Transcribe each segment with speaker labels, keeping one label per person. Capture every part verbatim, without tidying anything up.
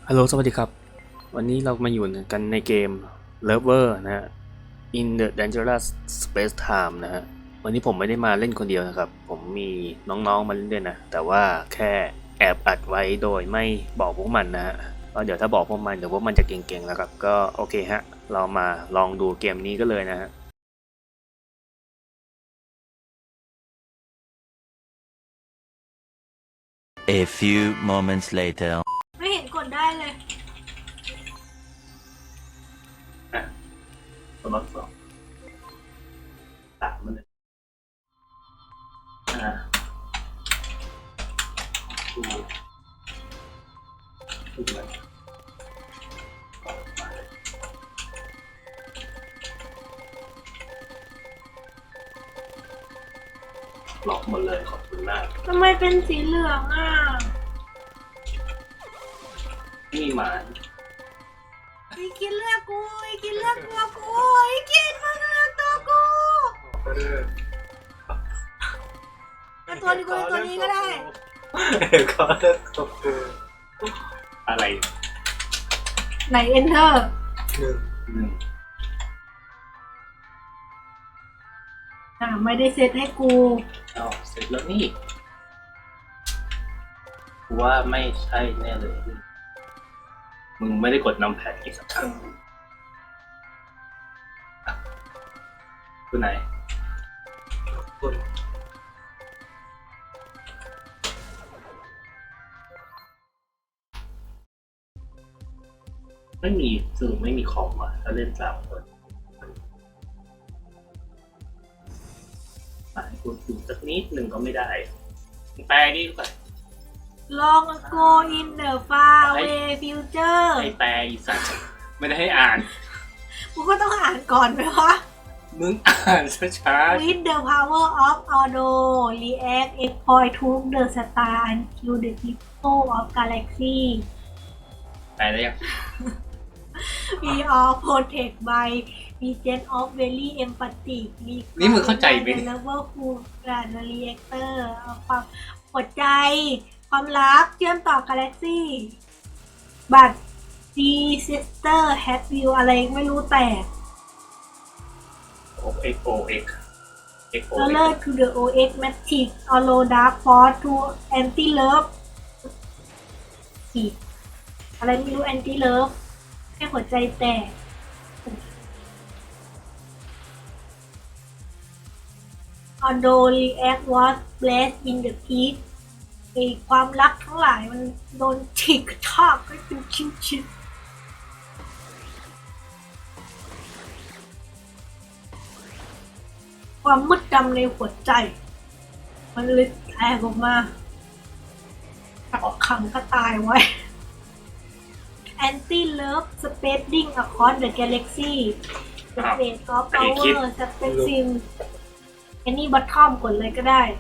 Speaker 1: ฮัลโหลสวัสดีครับวันนี้เรามาอยู่กันในเกม Lover นะฮะ In the Dangerous Space Time นะฮะวันนี้ผมไม่ได้มาเล่นคนเดียวนะครับผมมีน้องๆมาเล่นด้วยนะแต่ว่าแค่แอบอัดไว้โดยไม่บอกพวกมันนะฮะเพราะเดี๋ยวถ้าบอกพวกมันเดี๋ยวพวกมันจะเก่งๆแล้วครับก็โอเคฮะเรามาลองดูเกมนี้ก็เลยนะฮะ
Speaker 2: A few moments later
Speaker 3: ไม่เห็นกดได้เลย
Speaker 1: สมัครสองสามมันเลยอ่าดูดูมันล็อกหมดเลยขอบคุณมาก
Speaker 3: ทำไมเป็นสีเหลืองอ่ะ
Speaker 1: นี่หมา
Speaker 3: อีกินเลือกกูอีกินเลือกตัวกูอีกินมาเลือกตัวกูเอาตัวนี้กูตัวนี้ก็ได้
Speaker 1: ก็เลือกตัวกูอะไร
Speaker 3: ไหน enter
Speaker 1: หนึ่งหนึ่ง
Speaker 3: อ่าไม่ได้เซตให้กู
Speaker 1: อ้าวเสร็จแล้วนี่กูว่าไม่ใช่แน่เลยมึงไม่ได้กดนำแพดอีกสักครั้งตัวไหนตัวไม่มีสื่อไม่มีคอมอ่ะถ้าเล่นสามคนอ่านกูดูสักนิดหนึ่งก็ไม่ได้แปลดิก่อน
Speaker 3: ลอง go in the far away future
Speaker 1: ไอแปลอีสัตว์ไม่ได้ให้อ่าน
Speaker 3: กูก็ต้องอ่านก่อนไหมวะ
Speaker 1: มึงอ่านช้าๆ
Speaker 3: with the power of auto react exploit to the star until the people of galaxy
Speaker 1: ไปแล้วยัง
Speaker 3: we all protect by region of very empathic
Speaker 1: นี่มึงเข้าใจไหม
Speaker 3: level who and reactor ความหัวใจความรักเชื่อมต่อกาแล็กซี่บัตร G sister have you อะไรไม่รู้แต่
Speaker 1: โอ เอ็กซ์ โอ เอ็กซ์ เอ็กซ์ โอ เอ็กซ์
Speaker 3: color to the โอ เอ็กซ์ matrix allow dark force to anti love อะไรไม่รู้ anti love ให้หัวใจแตก although react was blessed in the peak ไอความรักทั้งหลายมันโดนฉีกกระชากให้เป็นชิ้นๆความมืดดำในหัวใจมันเลยแตกออกมากักขังก็ตายไว้ anti love spreading across the galaxy the fate of power spectrum any bottom กดเลยก็ได้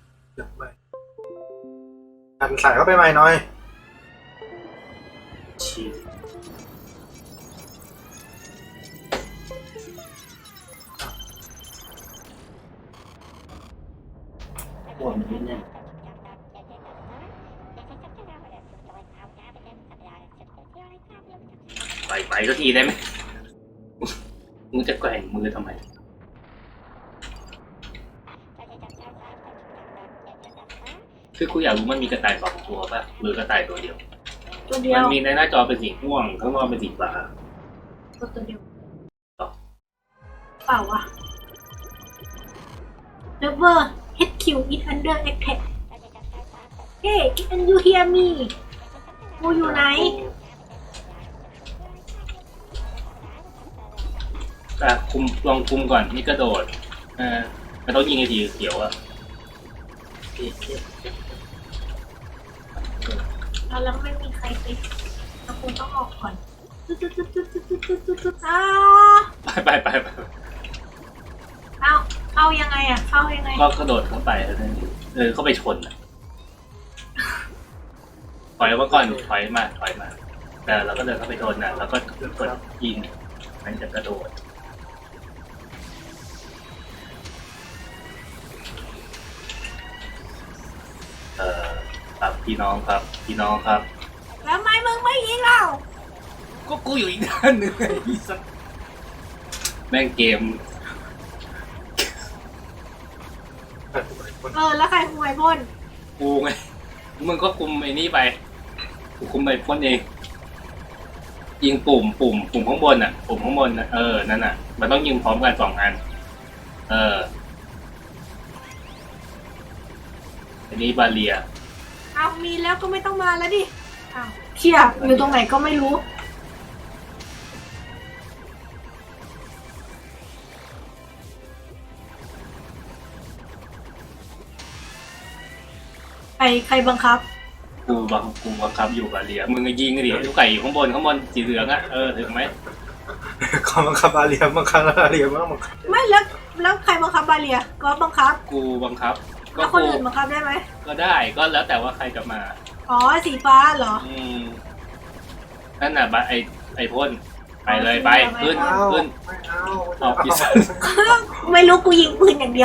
Speaker 4: หันใส่เข้าไปใหม่หน่อย
Speaker 1: ชีสหัวมันนิดนึงไปไปก็ทีได้ไหมมึงจะแกว่งมือทำไมคือกูอยากรู้มันมีกระต่ายสองตัวป่ะหรือกระต่ายตัวเดียว
Speaker 3: ตัวเดียว
Speaker 1: มันมีในหน้าจอเป็นสีม่วงข้างนอกเป็นสีฟ้า
Speaker 3: ตัวเดียวเปล่าวะ Never เอช คิว is under attack Hey can you hear me กูอยู่ไหน
Speaker 1: อ่ะคุมลองคุมก่อนนี่กระโดดอ่ามันต้องยิงไอ้ทีเขียวอ่ะ
Speaker 3: แล้วไม่มีใครไปแล้วกูต้องออกก่อนตุ๊ดตุ๊ดตุ๊ดตุ๊ดตุ๊ดตุ๊ดตุ๊ดตุ๊ดอ้า
Speaker 1: ไปไปไปไป
Speaker 3: เอาเข้ายังไงอ่ะเข้ายังไง
Speaker 1: ก็กระโดดเข้าไปแล้วนั่นเออเข้าไปชนอ่ะถอยมาก่อนถอยมาถอยมาแต่เราก็เดินเข้าไปชนน่ะแล้วก็กดยิงมันจะกระโดดเอ่อครับพี่น้องครับพี่น้องครับ
Speaker 3: แล้วทำไมมึงไม่ยิงเรา
Speaker 1: ก็กูอยู่อีกด้านหนึ่งไอ้สัสแม่งเกม
Speaker 3: เออแล้วใครคุมไอพ่น
Speaker 1: กูไงมึงก็คุมไอ้นี่ไปกูคุมไปพ่นเองยิงปุ่มปุ่มปุ่มข้างบนอ่ะปุ่มข้างบนอ่ะเออนั่นอ่ะมันต้องยิงพร้อมกันสองอันเอออันนี้บาเลีย
Speaker 3: เอามีแล้วก็ไม่ต้องมาแล้วดิอ้าวเชี่ยอยู่ตรงไหนก็ไม่รู้ใครใครบังคับ
Speaker 1: กูบังกูบังคับอยู่บาเลียมึงก็ยิงดิลูกไก่อยู่ข้างบนข้างบนสีเหลืองอ่ะเออถึงไหม
Speaker 4: คอมบังคับอาเรียบังคับอาเรียบ้างบังคับ
Speaker 3: ไม่แล้วแล้วใครบังคับบาเลียก็บังคับ
Speaker 1: กูบังคับ ก็
Speaker 3: แล้วคน
Speaker 1: กู
Speaker 3: อื่นบังคับได้ไหม
Speaker 1: ก็ได้ก็แล้วแต่ว่าใครจะมา
Speaker 3: อ๋อสีฟ้าเหรอ
Speaker 1: อืมนั่นน่ะบะไอไอพ่นไปเลยไปขึ้น
Speaker 4: ไม่เอา
Speaker 1: ขึ้น
Speaker 4: ไม่เอา
Speaker 1: เอาพิซซ่า
Speaker 3: ไม่รู้กูยิงปืนอย่างเดียว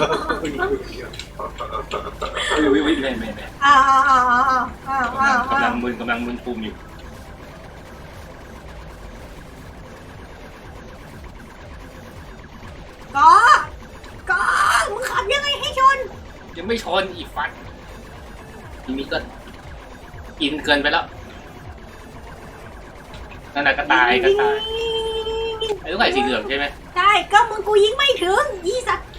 Speaker 1: วิววิววิวไม่ไม่ไม่
Speaker 3: อ้าวอ้าวอ้าวอ้าวอ้าวอ้าว
Speaker 1: กำลังมึนกำลังมึนปุ่มอยู่
Speaker 3: ก็ก็มึงขับยังไงให้ชน
Speaker 1: ยังไม่ชนอีกฟัดทีนี้ก็อินเกินไปแล้วนั่นน่ะก็ตายก็ตายไอ้ลูกไก่สีเหลืองใช่ไหม
Speaker 3: ใช่ก็มึงกูยิงไม่ถึงยี่สัตว์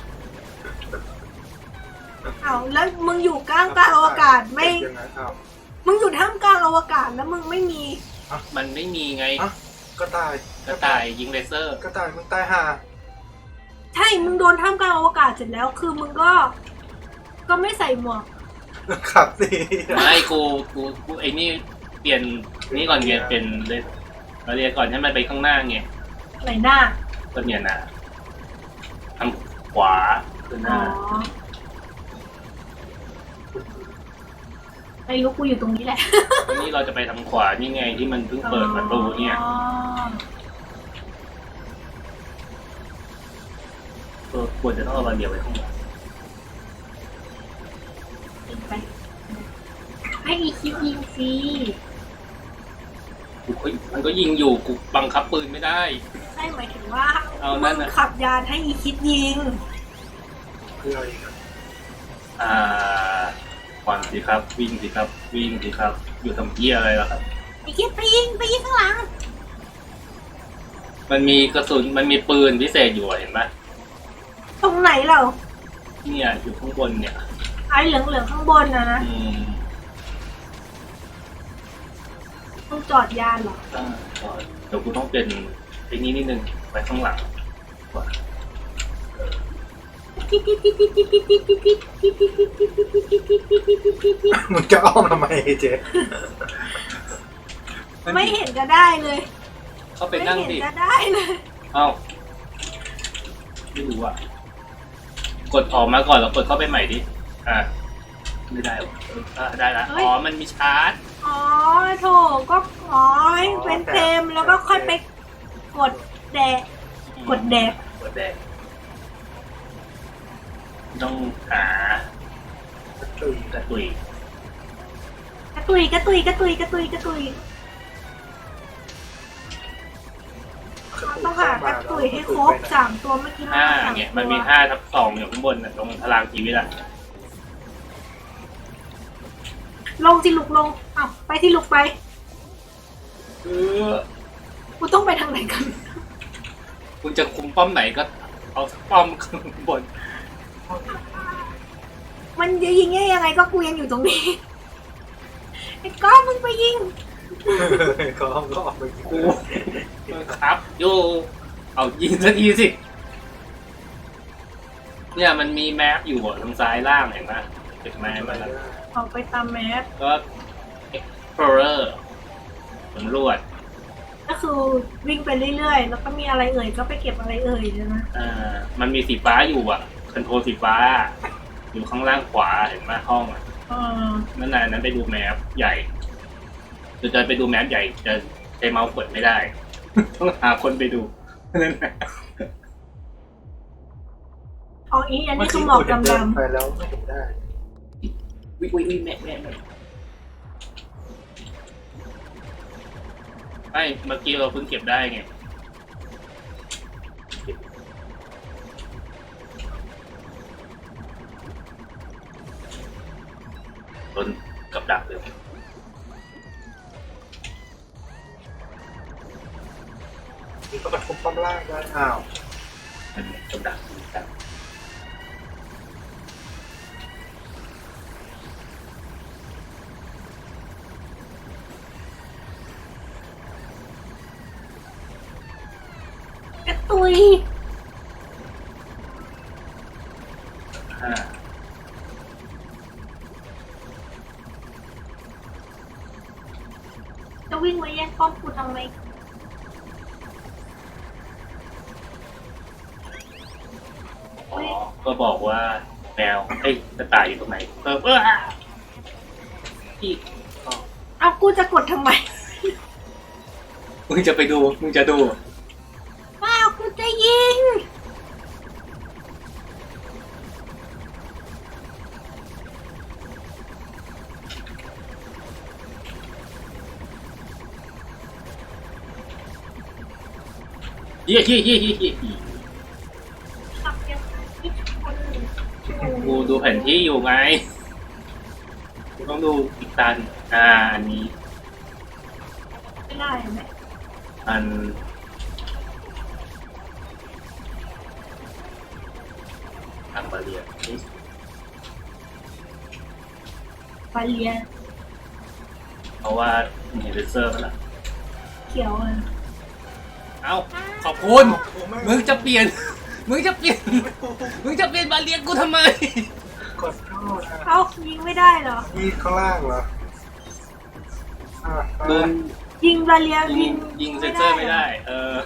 Speaker 3: อ้าวแล้วมึงอยู่กลางกลางอวกาศไม่
Speaker 4: ยังไงอ้าว
Speaker 3: มึงอยู่ท่ามกลางอวกาศแล้วมึงไม่มี
Speaker 1: มันไม่มีไง
Speaker 4: อ่ะก็ตาย
Speaker 1: ก็ตายยิงเลเซอร์
Speaker 4: ก็ตายมึงตายห่า
Speaker 3: ใช่มึงโดนท่ามกลางอวกาศเสร็จแล้วคือมึงก็ ก็ไม่ใส่หมวก
Speaker 4: ขับสิ
Speaker 1: ไม่กูกูกูไอ้นี่เปลี่ยนนี่ก่อนเรียนเป็นเลยเราเรียนก่อนให้มันไปข้างหน้าไง
Speaker 3: ไหนหน้า
Speaker 1: ก็เนี่ยนะทางขวาคือห
Speaker 3: อ๋อ
Speaker 1: น้า
Speaker 3: ไม่รู้กูอยู่ตรงนี้แหละ
Speaker 1: นี่เราจะไปทางขวานี่ไงที่มันเพิ่งเปิดประตูเนี่ย
Speaker 3: อ๋อ
Speaker 1: ก็ควรจะต้องเอาบานเดียวไปข้างหลัง
Speaker 3: ไปให้อีคิวยิงฟรี
Speaker 1: กูก็มันก็ยิงอยู่กูบังคับปืนไม่ได้
Speaker 3: ใช่หมายถึงว่า
Speaker 1: เอานั่
Speaker 3: มึ
Speaker 1: น
Speaker 3: ง
Speaker 1: น่ะ
Speaker 3: ขับยานให้อีคิดยิง
Speaker 4: คืออะไรกัน
Speaker 1: อ่าขวัญสิครับ วิ่งสิครับ วิ่งสิครับ อยู่ทำเพี้ยอะไรล่ะครับ
Speaker 3: อีคิดไปยิงไปยิงข้างหลัง
Speaker 1: มันมีกระสุนมันมีปืนพิเศษอยู่อะเห็นไหม
Speaker 3: ตรงไหนเรา
Speaker 1: เนี่ยอยู่ข้างบนเนี่ย
Speaker 3: ไอ้เหลืองเหลืองๆข้างบนนะนะ
Speaker 1: อืม
Speaker 3: ต้องจอดยานเหรอ
Speaker 1: อ่าก็เดี๋ยวกูต้องเป็นไอ้นี้นิดนึงไปข้างหลังก่อน
Speaker 4: มึงจะอ้อมทำไมเจ๊
Speaker 3: ไม่เห็นจะได้เลย
Speaker 1: เข้าไป
Speaker 3: ไม่
Speaker 1: นั่ง
Speaker 3: เห็น
Speaker 1: ดิ
Speaker 3: จะได้เลย
Speaker 1: เอ้าไม่รู้อ่ะ กดออกมาก่อนแล้วกดเข้าไปใหม่ดิ อ่าไม่ได้หรออ่าได้ละอ๋อ มันมีชาร์จ
Speaker 3: อ๋อโถก็อ๋อให้เป็นเต็มแล้วก็ค่อยไปกดแดกกดแดก
Speaker 1: กดแดงต้องหา
Speaker 4: ตื่น
Speaker 1: กระตุย
Speaker 3: กระตุยกระตุยกระตุยกระตุยกระตุยต้องหากระตุยให้ครบสามตัวเมื่อกี้
Speaker 1: ห้า
Speaker 3: ส
Speaker 1: เนี่ย
Speaker 3: ตัว
Speaker 1: มันมีห้าทับสองอยู่ข้างบนน่ะตรงพลังชีวิตอ่ะ
Speaker 3: ลงสิลุกลงอ้าวไปที่ลุกไป
Speaker 1: เออ
Speaker 3: กูต้องไปทางไหนกัน
Speaker 1: คุณจะคุมป้อมไหนก็เอาสักป้อมข้างบน
Speaker 3: มันจะยิงได้ยังไงก็กูยังอยู่ตรงนี้ไอ้ก้อนมึงไปยิง
Speaker 4: ก็ก็ออกไป
Speaker 1: กูครับโยเอายิงสักทีสิ เนี่ยมันมีแมปอยู่ทางซ้ายล่างเห็นไหมเห็นไหมมันนะ
Speaker 3: ออกไปตามแมพ
Speaker 1: ก็ explorer สำรวจ
Speaker 3: ก็คือวิ่งไปเรื่อยๆ แล้วก็มีอะไรเอ่ยก็ไปเก็บอะไรเอ่ยใช่ไหม
Speaker 1: อ่ามันมีสีฟ้าอยู่อ่ะคอนโทรลสีฟ้า อยู่ข้างล่างขวาเห็นไหมห้องอ่ะ
Speaker 3: อ่า
Speaker 1: นั่นน่ะนั้นไปดูแมปใหญ่จะจะไปดูแมปใหญ่จะใช้เมาส์กดไม่ได้ ต้องหาคนไปดูนั่นแหละ
Speaker 3: อ๋ออีอันนี้คือหมอกดำ
Speaker 4: ไปแล้วไม่เห็นได้
Speaker 1: วิวิวิแม่แม่แม่ไม่เมื่อกี้เราเพิ่งเก็บได้ไงต้นกับดักเลย
Speaker 4: นี่ก็กระทบป้อมล่างได้อ้าว
Speaker 1: มันกับดักกับดัก
Speaker 3: กระตุย
Speaker 1: ห้า
Speaker 3: จะวิ่งมาแย่งป้อมกูทำไม
Speaker 1: อ๋อก็บอกว่าแมวเอ้ยกระต่ายอยู่ตรงไหนเออเออพี่อ๋อ
Speaker 3: เอากูจะกดทำไม
Speaker 1: มึงจะไปดูมึงจะดู
Speaker 3: ว้าวกูจะยิง
Speaker 1: เยี่ยเยี่ยเยี่ยเยี่ยเยี่ย
Speaker 3: ขับยังไงที่คน
Speaker 1: กูดูแผนที่อยู่ไงกูต้องดูอีกตันอ่าอันนี้
Speaker 3: ไม่ได้ไหม
Speaker 1: อันอันบาเรีย
Speaker 3: บาเลีย
Speaker 1: เพราะว่ามีเลเซอร์มาละ
Speaker 3: เขียวอ่ะ
Speaker 1: เอ้าขอบคุณ
Speaker 4: โอ้ไม่
Speaker 1: มึงจะเปลี่ยน มึงจะเปลี่ยน มึงจะเปลี่ยนบาเรียกูทำไม
Speaker 4: กดเข้านะ
Speaker 3: เอายิงไม่ได้เหรอ
Speaker 4: มีข้างล่างเหรออ่ะ
Speaker 1: โดน
Speaker 3: ยิงบาเลีย
Speaker 1: ยิ
Speaker 3: ยิ
Speaker 1: ง
Speaker 3: ง
Speaker 1: ยิงเซนเซอร์ไม่ได้ เออ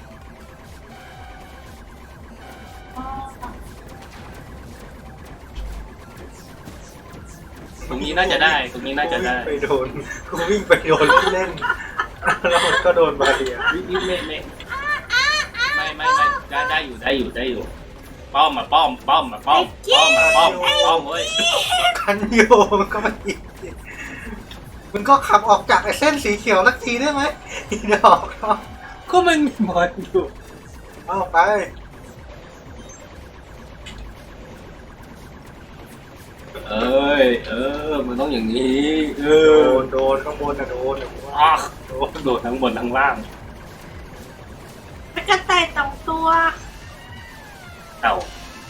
Speaker 3: อ๋อ
Speaker 1: ตรงนี้น่าจะได้ ตรงนี้น่าจะได้
Speaker 4: กูวิ่งไปโดนกูวิ่งไปโดนที่เล่นแล้วมันก็โดนบาเรีย
Speaker 1: ไม่ไม่ไม่ไม่ไม่ไม่ได้ได้อยู่ได้อยู่ได้อยู่ ป้อมมาป้อมป้อมมาป้อมป้อมมาป้อมป้อมเว้ย
Speaker 4: คันโยมันก็มาอีกมันก็ขับออกจากไอ้เส้นสีเขียวสักทีได้ไหมอีดอกเนาะ
Speaker 1: ก็มันมีบอลอยู่
Speaker 4: เอาไป
Speaker 1: เอ้ย เออ มันต้องอย่างนี้ เอ
Speaker 4: โด
Speaker 1: อน
Speaker 4: โดนข้างบนนะโดนนะผมว่า
Speaker 1: อ่ะ
Speaker 4: โดน
Speaker 1: โดดทั้งบนทั้งล่าง
Speaker 3: มันกระต่ายสองตัว
Speaker 1: เอ้า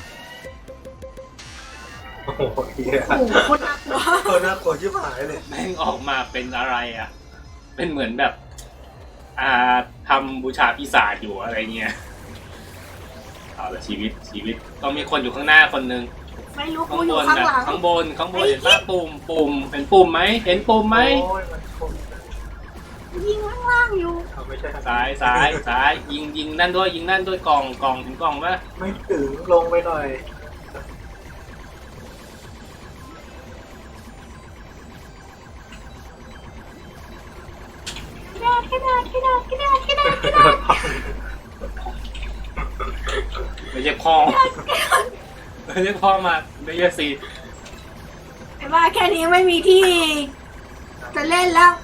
Speaker 4: โอ้โหเฮีย
Speaker 3: โอ้โหคนน่ากลัว
Speaker 4: เออน่ากลัวชิบหายเลย
Speaker 1: แม่งออกมาเป็นอะไรอ่ะ เป็นเหมือนแบบ อ่าทำบูชาปีศาจอยู่อะไรเงี้ย เอาละชีวิตชีวิตต้องมีคนอยู่ข้างหน้าคนนึง
Speaker 3: ไม่รู้
Speaker 1: ข้า
Speaker 3: กู
Speaker 1: ง
Speaker 3: อบ ยู่
Speaker 1: น
Speaker 3: ข้าง
Speaker 1: นะ
Speaker 3: หลัง
Speaker 1: ข้างบนข้างบนเห็นป่ะปุ่มปุ่มเห็นปุ่มไหมเห็นปุ่มไหม
Speaker 4: โอ้ยมันชน
Speaker 3: ยิงข้างล่างอยู่
Speaker 4: เอาไม่ใช่
Speaker 1: ซ้ายซ้ายซ้ายยิงยิงนั่นด้วยยิงนั่นด้วยกล่องกล่องถึงกล่องปะ
Speaker 4: ไม่ถึงลงไปหน่อย
Speaker 3: กระดาษกระดาษกระดาษกระดาษกระดาษกระดาษ
Speaker 1: ไม่ใช่พ่อไม่ใช่พ่อมาไม่ใช่ซี
Speaker 3: ไอ้บ้าแค่นี้ไม่มีที่ จะเล่นแล้ว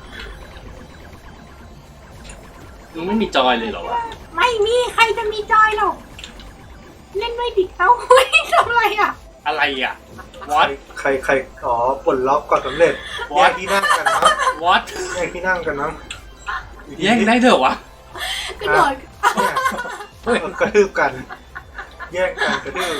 Speaker 1: มึงไม่มีจอยเลยเหรอวะ
Speaker 3: ไม่มีใครจะมีจอยหรอก เล่นด้วยดิเต้าหุ้ยทำอะไรอ่ะ
Speaker 1: อะไรอ่ะวอต
Speaker 4: ใครใครอ๋อปลดล็อกก่อนสำเร็จแยกที่นั่งกันนะ
Speaker 1: วอต
Speaker 4: แยกที่นั่งกันนะ
Speaker 1: แย่งได้เถอะวะ
Speaker 3: กระโดด
Speaker 4: เนี่ย
Speaker 1: เฮ้ย
Speaker 4: กระทืบกัน แยกกันกระทืบ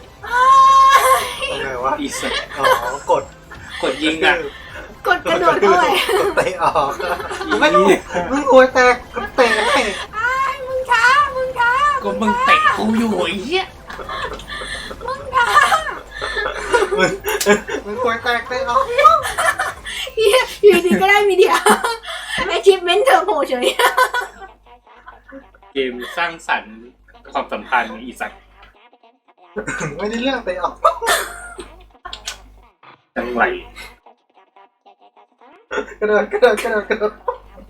Speaker 4: ยังไงวะ
Speaker 1: อีสัตว์
Speaker 4: อ๋อกด
Speaker 1: กดยิงอ่ะ
Speaker 3: กดกระโดดด้วย
Speaker 4: กดเตะออกไม่รู้มึงหัวแตกกดเตะให้
Speaker 3: อ้ายมึงช้า มึงช้า
Speaker 1: ก็มึงเตะกูอยู่ไอ้เหี้ย
Speaker 3: มึงช้า
Speaker 4: มึงมึงหัวแตกเตะออก
Speaker 3: เหี้ยอยู่ดีก็ได้มีเดียไอชิปเมนต์เธอโผล่เฉย
Speaker 1: เกมสร้างสรรค์ความสัมพันธ์อีสัตว์
Speaker 4: ไม่ได้เรื่องเตะออก
Speaker 1: จังไหล
Speaker 4: กระโดดกระโดดกระโดดกระโดด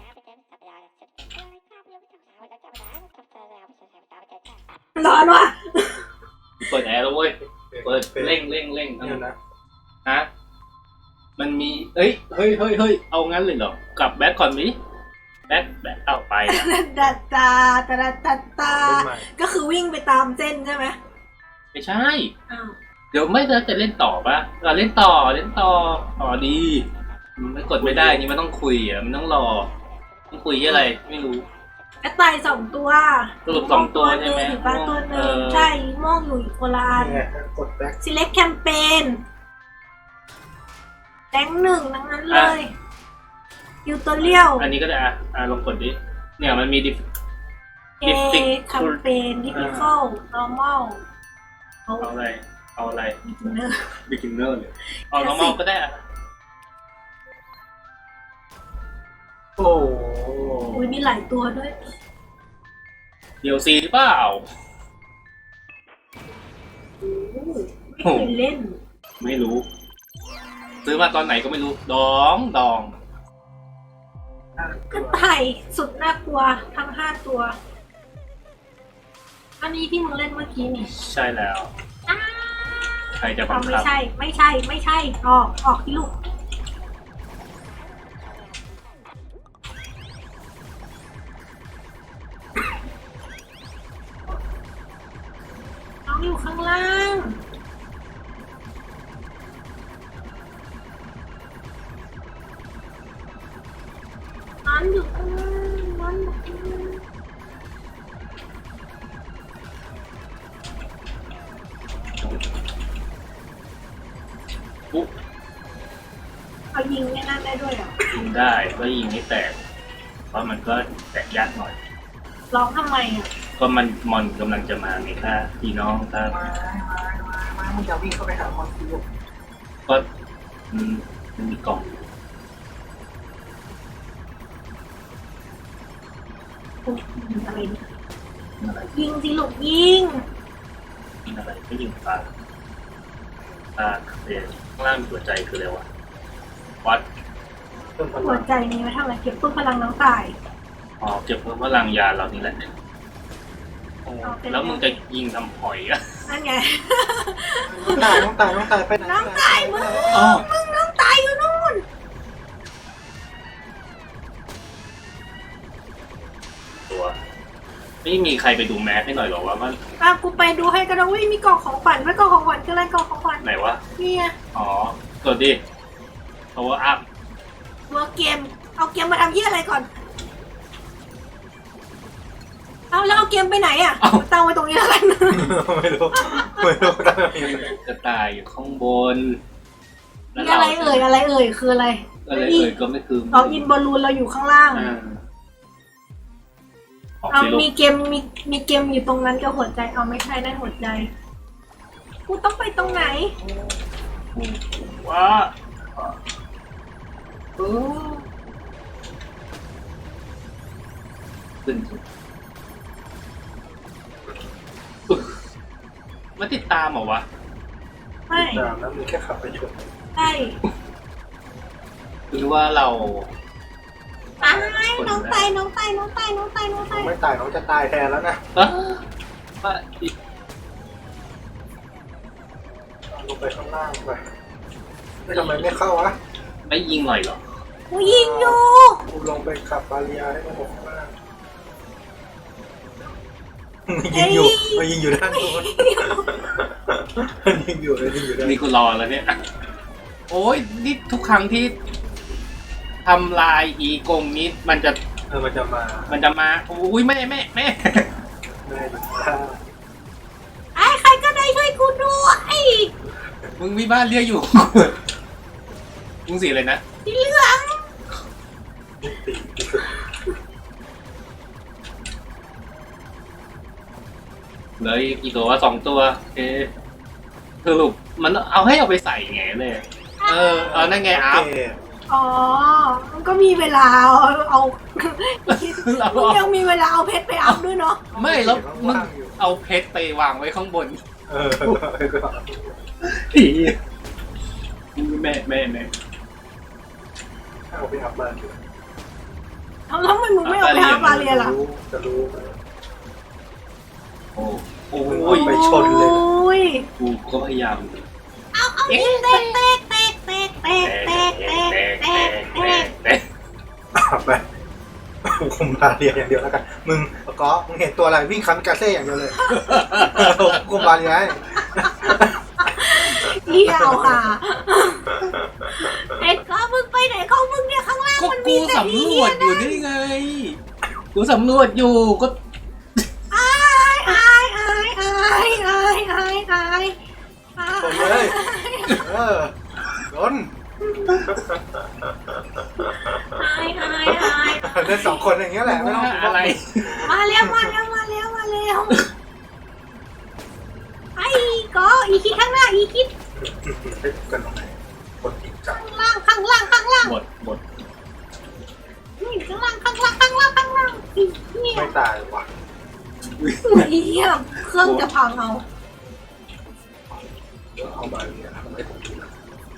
Speaker 3: ร้อนว่ะ
Speaker 1: เปิดแอร์แล้วเว้ยเปิดเร่งเร่งเร่ง
Speaker 4: เนี่ยนะ
Speaker 1: ฮะมันมีเอ้ยเฮ้ยเฮ้ยเฮ้ยเอางั้นเลยเหรอกลับแบ็คก่อนมิแบ็คแบ็คเอาไปอะ
Speaker 3: ตาตาตาตาตาตาก็คือวิ่งไปตามเส้นใช่ไหม
Speaker 1: ไม่ใช่
Speaker 3: อ้าว
Speaker 1: เดี๋ยวไม่จะเล่นต่อปะเราเล่นต่อเล่นต่อต่อดีมันกดไม่ได้นี่มันต้องคุยอ่ะมันต้องรอต้องคุยอะไรไม่รู้
Speaker 3: กระต่ายสองตัว
Speaker 1: สรุปสองตัวใช่ไหม
Speaker 3: หรือปลาตัวหนึ่ง
Speaker 1: เออ
Speaker 3: ใช่โม่งอยู่อีกคนละอัน
Speaker 4: เนี่ยกดแบ็ค
Speaker 3: select campaign แรงหนึ่งทั้งนั้นเลยยูตัวเลี้ยว
Speaker 1: อันนี้ก็ได้อ่ะอ่ะลองกดดิเนี่ยมันมีดิ
Speaker 3: เอ campaign difficult normal เอา
Speaker 1: เอาอะไรเอาอะไร
Speaker 3: beginner
Speaker 1: beginner เลยเอา normal ก็ได้อ่ะ
Speaker 4: โอ้
Speaker 3: อุ้ยมีหลายตัวด้วย
Speaker 1: เดียวซีหรือเปล่า
Speaker 3: ไม่เคยเล่น
Speaker 1: ไม่รู้ ซื้อมาตอนไหนก็ไม่รู้ดองดอง
Speaker 3: กระต่ายสุดน่ากลัวทั้งห้าตัว อันนี้ที่มึงเล่นเมื่อกี้นี่
Speaker 1: ใช่แล้ว
Speaker 3: อ้า
Speaker 1: ใครจะบั
Speaker 3: เอา
Speaker 1: ง
Speaker 3: ไม่
Speaker 1: คับ
Speaker 3: ใช่ ไม่ใช่ ไม่ใช่ ออก ออกที่ลูก น้องอยู่ข้างล่าง น้องอยู่ข้างล่างน้องอยู่ข้างล่าง
Speaker 1: ปุ๊บ
Speaker 3: เอายิงไม่นั่นได้ด้วยเหรอ
Speaker 1: ยิงได้ก็ยิงไม่แตก เพราะมันก็แตกยากหน่อย
Speaker 3: ร้องทำไมอ่ะ
Speaker 1: ก็มันมอนกำลังจะมาไงค่ะพี่น้องครับ
Speaker 4: มามามามามึงจะวิ่งเข้าไปหามอนกู
Speaker 1: ก็อืมมันมีกล่อง
Speaker 3: อุ๊ยยิงอะไรเนี่ย
Speaker 1: อะไร
Speaker 3: ยิงสิลูกยิง
Speaker 1: ยิงอะไรไม่ยิงปลาปลาเดี๋ยวข้างล่างมีหัวใจคืออะไรวะวัด
Speaker 4: เพิ่มพ
Speaker 3: หั
Speaker 4: ลั
Speaker 3: ว
Speaker 4: ง
Speaker 3: ใจนี้ไว้ทำอะไรเก็บตู้พลังน้องตาย
Speaker 1: อ๋อเก็บเพิ่มพลังยาเรานี่แหละโอ้แล้วมึงจะยิงทำหอยอะ
Speaker 3: นั่นไง
Speaker 4: น้องตายน้องตายน้องตายไปไหน
Speaker 3: น้องตายมึง
Speaker 1: อ๋อ
Speaker 3: มึงน้องตายอยู่นู่น
Speaker 1: ตัวไม่มีใครไปดูแมสให้หน่อยหรอว่ามัน
Speaker 3: อ่ะกูไปดูให้กันนะวิมีกล่องของขวัญไว้กล่องของขวัญคืออะไรกล่องของขวัญ
Speaker 1: ไหนวะ
Speaker 3: นี่ไง
Speaker 1: อ๋อกดดิ power up
Speaker 3: ตัวเกม เอาเกมมาทำยี่อะไรก่อน เอาแล้วเอาเกมไปไหนอ่ะตั้งไว้ตรงนี้แล้วกัน
Speaker 4: ไม่รู้ไม่รู้ตั้งยังไง
Speaker 1: กระต่ายอยู่ข้างบน แล้ว
Speaker 3: นี่อะไรเอ่ยอะไรเอ่ยคืออะไร
Speaker 1: อะไรเอ่ยก็ไม่คือ
Speaker 3: เอาอินบอลลูนเราอยู่ข้างล่าง
Speaker 1: อ่าออก
Speaker 3: เอา
Speaker 1: สิลู
Speaker 3: มี
Speaker 1: ก
Speaker 3: เกมมีมีเกมอยู่ตรงนั้นกับหัวใจเอาไม่ใช่ได้หัวใจ กูต้องไปตรงไหน
Speaker 1: ว้าเออขึ้นอึ๊ะมันติดตามเหรอวะ
Speaker 3: ไม่
Speaker 4: ตามแล้วมีแค่ขับไปชน
Speaker 3: ใช่
Speaker 1: หรือว่าเรา
Speaker 3: ตายน้องตายน้องตายน้องตายน้องตายน้องตาย
Speaker 4: ไม่ตายน้องจะตายแทนแล้วนะ
Speaker 1: ป้าป้าอีก
Speaker 4: ลงไปข้างล่างไปไม่ทำไมไม่เข้าวะ
Speaker 1: ไม่ยิงหน่อยเหรอ
Speaker 3: กูยิงอยู่
Speaker 4: กูลงไปขับบาเรียให้มันหมดข้างล่างยิ
Speaker 3: เอ้
Speaker 4: ง
Speaker 3: ย
Speaker 4: อยู่มันยิงอยู่ด้านโน้นมันยิงอยู่เลยยิงอยู่ด้าน
Speaker 1: นี่กูรอแล้วเนี่ย โอ้ยนี่ทุกครั้งที่ทำลายอีกงนี้มันจะ
Speaker 4: เออมันจะมา
Speaker 1: มันจะมาอุ้ยแม่แม่แม่
Speaker 4: แม่ดูท่า
Speaker 3: ไอ้ใครก็ได้ช่วยกูด้วย
Speaker 1: มึงมีบ้านเรียกอยู่ มึงสีอะไรนะ
Speaker 3: สีเหลือง
Speaker 4: ตี
Speaker 1: เหลืออีกกี่ตัวสองตัวโอเคสรุปมันเอาให้เอาไปใส่ไงเลย เออเอานั่นไงอัพ
Speaker 4: โอเค
Speaker 3: อ๋อ มันก็มีเวลาเอาเอา
Speaker 1: เรา
Speaker 3: มึงยังมีเวลาเอาเพชรไปอัพด้วยเนาะ
Speaker 1: ไม่แล้วมึงเอาเพชรไปวางไว้ข้างบน
Speaker 4: เออ
Speaker 1: ผีแม่แม่แม่
Speaker 4: เอาไปอัพบ้านดู
Speaker 3: เอาแล้วทำไมมึงไม่เอาไปอัพบาเรียล่ะ
Speaker 4: จะรู้
Speaker 1: โอ้โอ้
Speaker 4: โอ้
Speaker 1: ย
Speaker 4: ไปชนเลย
Speaker 3: โอ้ย
Speaker 1: กูก็พยายาม
Speaker 3: เอาเอาเตกเตกเตกเตกเตกเตกเตกเตกเตกเตก
Speaker 1: แต่
Speaker 4: อ่ะไปไปคุมบาเรียอย่างเดียวแล้วกันมึงก็มึงเห็นตัวอะไรวิ่งคันกาเซ่อย่างเดียวเลยคุมบาเรียให้
Speaker 3: เที่ยวค่ะเอ็ดก็มึงไปไหนของมึงเนี่ยข้างล่าง
Speaker 1: ก็
Speaker 3: มันมี
Speaker 1: กู
Speaker 3: แต่
Speaker 1: สำร
Speaker 3: เหี้
Speaker 1: วย จอยู่นี่ไง กูสำรวจอยู่ก็
Speaker 3: อายอายอายอายอายอายอาย
Speaker 4: ชนเลยเออชน
Speaker 3: อายอายอาย
Speaker 4: เล่นสองคนอย่างเงี้ยแหละไม่ต้อง
Speaker 1: อะไร
Speaker 3: มาแล้วมาแล้วมาแล้วมาแล้วไอ้ก็อีคิดข้างหน้าอีคิด
Speaker 4: กันตรงไหนคนจริงจัง
Speaker 3: ข้างล่างข้างล่างข้างล่าง
Speaker 1: หมดหมด
Speaker 3: นี่ข้างล่างข้างล่างข้างล่างข้างล่างอีเนี่ย
Speaker 4: ไม่ตายว่ะ
Speaker 3: อีเหี้ยเครื่องจะพังเอา
Speaker 4: เดี๋ยวเอาบาเรียทำให้ผมดูนะ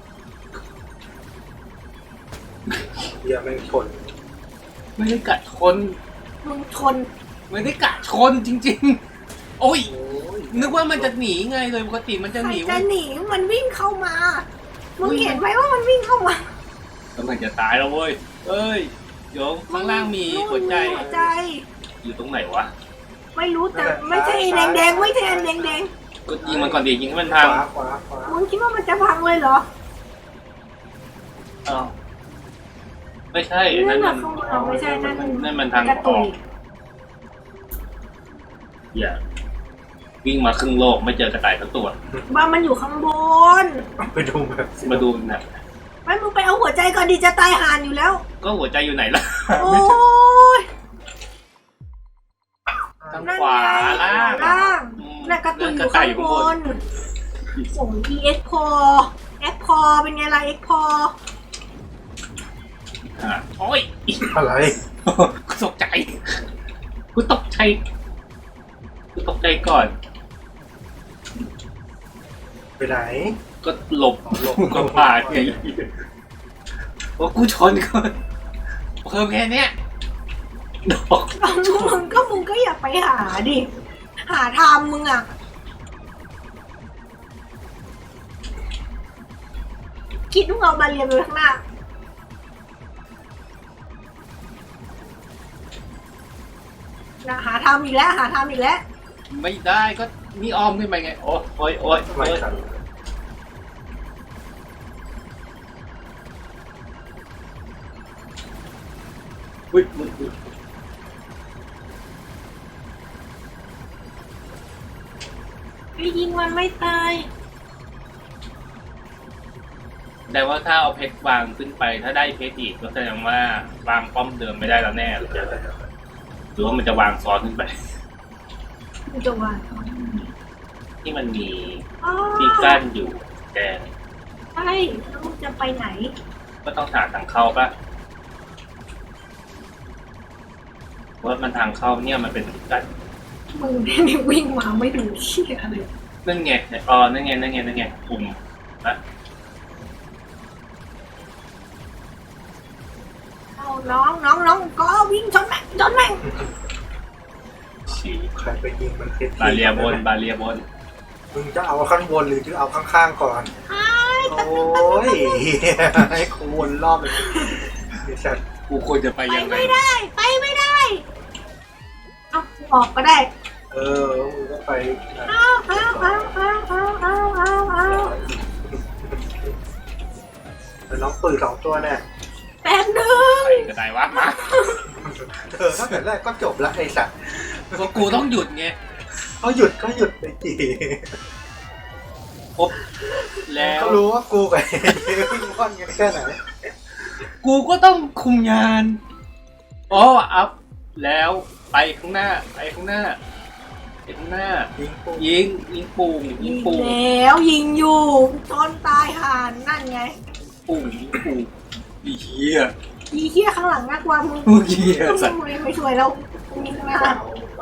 Speaker 4: เฮียไม่งชน
Speaker 1: ไม่ได้กัดชน
Speaker 3: มึงชน
Speaker 1: ไม่ได้กัดชนจริง ๆ โอ้ย
Speaker 4: โอ้ย
Speaker 1: นึกว่ามันจะหนีไงเลยปกติมันจะ
Speaker 3: ใค
Speaker 1: ห
Speaker 3: ร
Speaker 1: นี
Speaker 3: จะหนีมันวิ่งเข้ามามึงเห็นไหมว่ามันวิ่งเข้ามาก
Speaker 1: ำลังจะตายแล้วเว้ยเอ้ยโยงข้างล่างมีหัวใจ
Speaker 3: หัวใจ
Speaker 1: อยู่ตรงไหนวะ
Speaker 3: ไม่รู้แต่ไม่ใช่แดงแดงๆไม่ใช่อันแดงแดง
Speaker 1: ก็ยิงมันก่อนดิยิงให้มัน
Speaker 4: ข
Speaker 1: พัง
Speaker 4: วาขวาขวา
Speaker 3: ๆมึงคิดว่ามันจะพังเลยเหรอ
Speaker 1: อ้าวไม่ใช่
Speaker 3: นั่
Speaker 1: นั่
Speaker 3: น
Speaker 1: น
Speaker 3: น่ะ
Speaker 1: มัน
Speaker 3: ข้างบนไม่ใช่นั่น
Speaker 1: นั่นมันทาง
Speaker 3: กระ
Speaker 1: อ
Speaker 3: ตุ
Speaker 1: อย กอย่าวิ่งมาครึ่งโลกไม่เจอกระต่ายทั้งตัว
Speaker 3: บ้านมันอยู่ข้างบน
Speaker 4: ไปดูแบบ
Speaker 1: มาดูหนะ
Speaker 3: ไม่มึงไปเอาหัวใจก่อนดิจะตายห่านอยู่แล้ว
Speaker 1: ก็หัวใจอยู่ไหนล่ะ
Speaker 3: โอ้ย
Speaker 1: ทาง
Speaker 3: นั่น
Speaker 1: ขวา
Speaker 3: ไง
Speaker 1: ล่าง
Speaker 3: ล่าง
Speaker 1: อืม
Speaker 3: น่ะกระตุยอยู่
Speaker 1: กระต่า
Speaker 3: ข้าย ง
Speaker 1: อยู่
Speaker 3: บ
Speaker 1: ข้างบน
Speaker 3: นส่ง e x p o x p o เป็นไงล่ะ x p o
Speaker 1: อ่ะโอ้ย
Speaker 4: อะไร
Speaker 1: กูตกใจกูตกใจกูตกใจก่อน
Speaker 4: ไปไหน
Speaker 1: ก็หลบหลบก็ป่าไงว่ากูชนก่อนเพิ่มแค่เนี้ยดอก
Speaker 3: เอามึงก็มึงก็อย่าไปหาดิ หาทำมึงอ่ะ คิดว่าเอาบาเรียนไปข้างหน้านะหาทำอีกแล้ว หาทำอีกแล้ว
Speaker 1: ไม่ได้ก็นี่อ้อมขึ้นไปไงโอ้ยโอ้ยโอ้ย
Speaker 4: ทำไม
Speaker 1: โอ้ย
Speaker 4: กัน
Speaker 1: อุ้ยอุ้ยอุ้ย
Speaker 3: ไปยิงมันไม่ตาย
Speaker 1: แต่ว่าถ้าเอาเพชรวางขึ้นไปถ้าได้เพชรอีกก็แสดงว่าวางป้อมเดิมไม่ได้แล้วแน่เลยหรือว่ามันจะวางซ้อนขึ้นไป
Speaker 3: มึงจะว่า
Speaker 1: ที่มันมี
Speaker 3: อ๋อ
Speaker 1: ที่กั้นอยู่แดง
Speaker 3: ใช่แล้วมึงจะไปไหน
Speaker 1: ก็ต้องหาทางเข้าปะเพราะมันทางเข้าเนี่ยมันเป็นที่กั้น
Speaker 3: มึงนี่วิ่งมาไม่ดูเชี่ยเลย
Speaker 1: นั่นไงอ๋อนั่นไงนั่นไงนั่นไงปุ่มนะ
Speaker 3: เอาน้องน้องน้องก็วิ่งชนแม่งชนแม่ง
Speaker 1: ฉีก
Speaker 4: ใครไปยิงมันเพชร
Speaker 1: บาเรียบนบาเรียบน
Speaker 4: มึงจะเอาข้างบนหรือจะเอาข้างๆก่อน
Speaker 3: ไอ้
Speaker 4: โอ้ยให้กูวนรอบเลยไอ้สัตว์
Speaker 1: กูควรจะไป
Speaker 3: ไป
Speaker 1: ยังไง
Speaker 3: ไม่ได้ ไปไม่ได้ เอาออกก็ได้
Speaker 4: เออมึงก็ไปนะ
Speaker 3: เอาเอาเอาเอาเอาเอาเอาเอา
Speaker 4: แต่น้องปืนสองตัวเนี่ย
Speaker 3: แป๊บนึง
Speaker 1: ไปก็ได้วะมา
Speaker 4: เออตั้งแต่แรกก็จบละไอ้สัตว์
Speaker 1: ก็กูต้องหยุดไง
Speaker 4: เขาหยุดก็หยุดไปจี
Speaker 1: ปุ๊บแล้ว
Speaker 4: เขารู้ว่ากูกับไอ้เจ๊วิ่งว่อนกันแค่ไหน
Speaker 1: กูก็ต้องคุมงานอ๋ออัพแล้วไปข้างหน้าไปข้างหน้าไปข้างหน้า
Speaker 4: ยิงกู
Speaker 1: ยิงยิงปุ่งยิ
Speaker 3: ยิ
Speaker 1: ง
Speaker 3: ง
Speaker 1: ปุ่ง
Speaker 3: แล้วยิงอยู่ชนตายห่านนั่นไง
Speaker 1: ปุ่งยิงปุ่งอีเหี้ย
Speaker 3: อีเหี้ยข้างหลังน่ากลัวมึง
Speaker 1: เมื่อกี้สัตว์
Speaker 3: มึงไม่ช่วยแล้วมีข้างหน้า
Speaker 4: เอาไป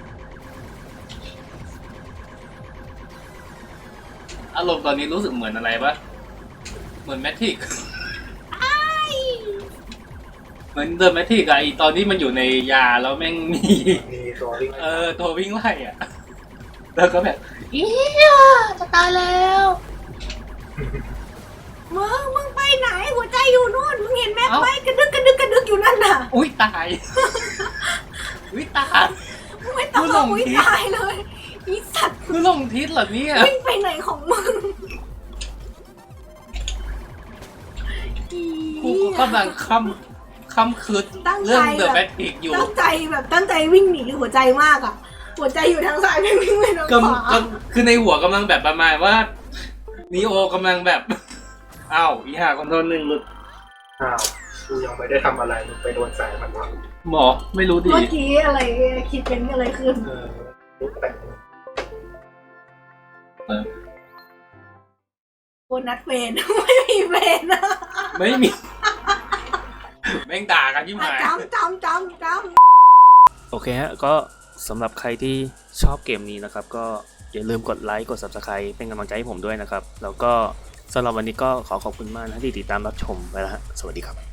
Speaker 1: อารมณ์ตอนนี้รู้สึกเหมือนอะไรปะเหมือนแมทริก
Speaker 3: ไอ้
Speaker 1: เหมือนเดอะแมทริกอะไอตอนที่มันอยู่ในยาแล้วแม่งมี
Speaker 4: มีตัววิ่ง
Speaker 1: เออตัววิ่งไล่อะแล้วก็แบบ
Speaker 3: อีเหี้ยจะตายแล้วมึงมึงไปไหนหัวใจอยู่นู่นมึงเห็นแม็ก
Speaker 5: เอ้า
Speaker 3: ไหมกระดึกกระดึกกระดึกอยู่นั่นน่ะ
Speaker 5: อุ้ยตาย อุ้ยตาย
Speaker 3: มึงไม่ต้อง
Speaker 5: มึงหลง
Speaker 3: อุ้ย
Speaker 5: ทิศ
Speaker 3: ตายเลยอีสัตว์
Speaker 5: คือลงทิศเหรอเนี่ย
Speaker 3: วิ่งไปไหนของมึงอี
Speaker 5: กูก็กำลังคำคำคืด
Speaker 3: ตั้งใจ
Speaker 5: เรื่องเดอะ
Speaker 3: แบบ
Speaker 5: แบทพิกอยู่
Speaker 3: ตั้งใจแบบตั้งใจวิ่งหนีหัวใจมากอ่ะ หัวใจอยู่ทางซ้ายไม่วิ่งไปทาง
Speaker 5: ก
Speaker 3: ขวา
Speaker 5: ำกำคือในหัวกำลังแบบประมาณว่านีโอกำลังแบบ อ้าวอีห่าคอนโทรลหนึ่งหลุด
Speaker 4: อ้าวกูยังไม่ได้ทำอะไรมึงไปโดนแสงมันวะ
Speaker 5: หมอไม่รู้ดี
Speaker 3: เมื่อกี้อะไรคิดเป็นอะไรขึ้น
Speaker 4: เออลุกแต่ง
Speaker 3: โบนัสเฟน ไม่มีเฟนนะ
Speaker 5: ไม่มี แม่งด่ากันยิ่งหาย
Speaker 3: จำจำจำจ
Speaker 1: โอเคฮะ ก็สำหรับใครที่ชอบเกมนี้นะครับ ก็อย่าลืมกดไลค์กด Subscribe เป็นกำลังใจให้ผมด้วยนะครับ แล้วก็สำหรับวันนี้ก็ขอขอบคุณมากนะที่ติดตามรับชมไปแล้วฮะ สวัสดีครับ